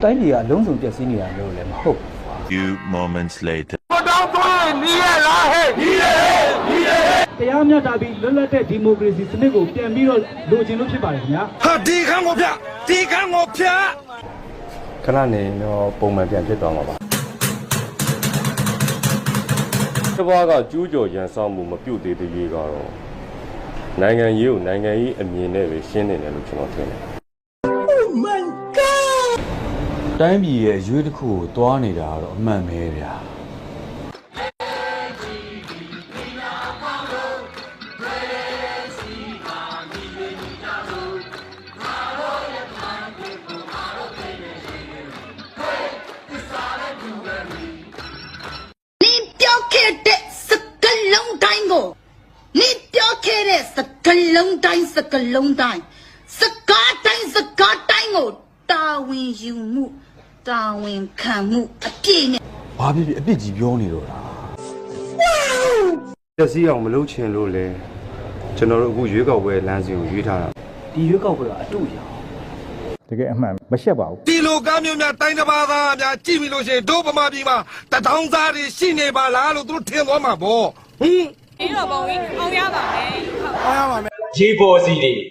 တိုင်းပြည်ကအလုံးစုံပြည့်စည်နေတာလို့လည်းမဟုတ် Few moments later တရားမျှတပြီးလွတ်လပ်တဲ့ဒီမိုကရေစီစနစ်ကိုပြန်ပြီးတော့လိုချင်လို့ဖြစ်ပါတယ်ခင်ဗျာဟာဒီခန်းကိုဖျက်ဒီခန်းကိုဖျက်ခဏနေတော့ပုံမှန်ပြန်ဖြစ်သွားမှာပါတဘာကကျူးကျော်ရန်ဆောင်မှုမပြုတ်သေးသေးရေးကတော့နိုင်ငံရေးကိုနိုင်ငံရေးအမြင်နဲ့ပဲရှင်းနေတယ်လို့ကျွန်တော်ထင်တယ်တိုင်းပြည်ရဲ့အရွေးတစ်ခုကိုတွားနေတာတော့အမှန်ပဲဗျာ你表开的是个龙蛋哦，你表开的是个龙蛋，是个龙蛋，是个蛋是个蛋哦，大文有目，大文看目，别呢。 ဘာဖြစ်ဖြစ်အပြစ်ကြီးပြောနေတော့လားတက်စီအောင်မလုပ်ချင်လို့လေကျွန်တော်တို့အခုရွေးကောက်ပွဲလမ်းစဉ်ကိုရွေးထားတာဒီရွေးကောက်ပွဲကအတူရအောင်တကယ်အမှန်မရှက်ပါဘူးဒီလိုကားမျိုးများတိုင်းတစ်ပါးသားများကြည့်ပြီးလို့ရှိရင်တို့ဗမာပြည်မှာတထောင်သားတွေရှိနေပါလားလို့သူတို့ထင်သွားမှာပေါ့ဟင်ဒီတော့ပုံကြီးအောင်ရပါမယ်ရေပေါ်စီတွေ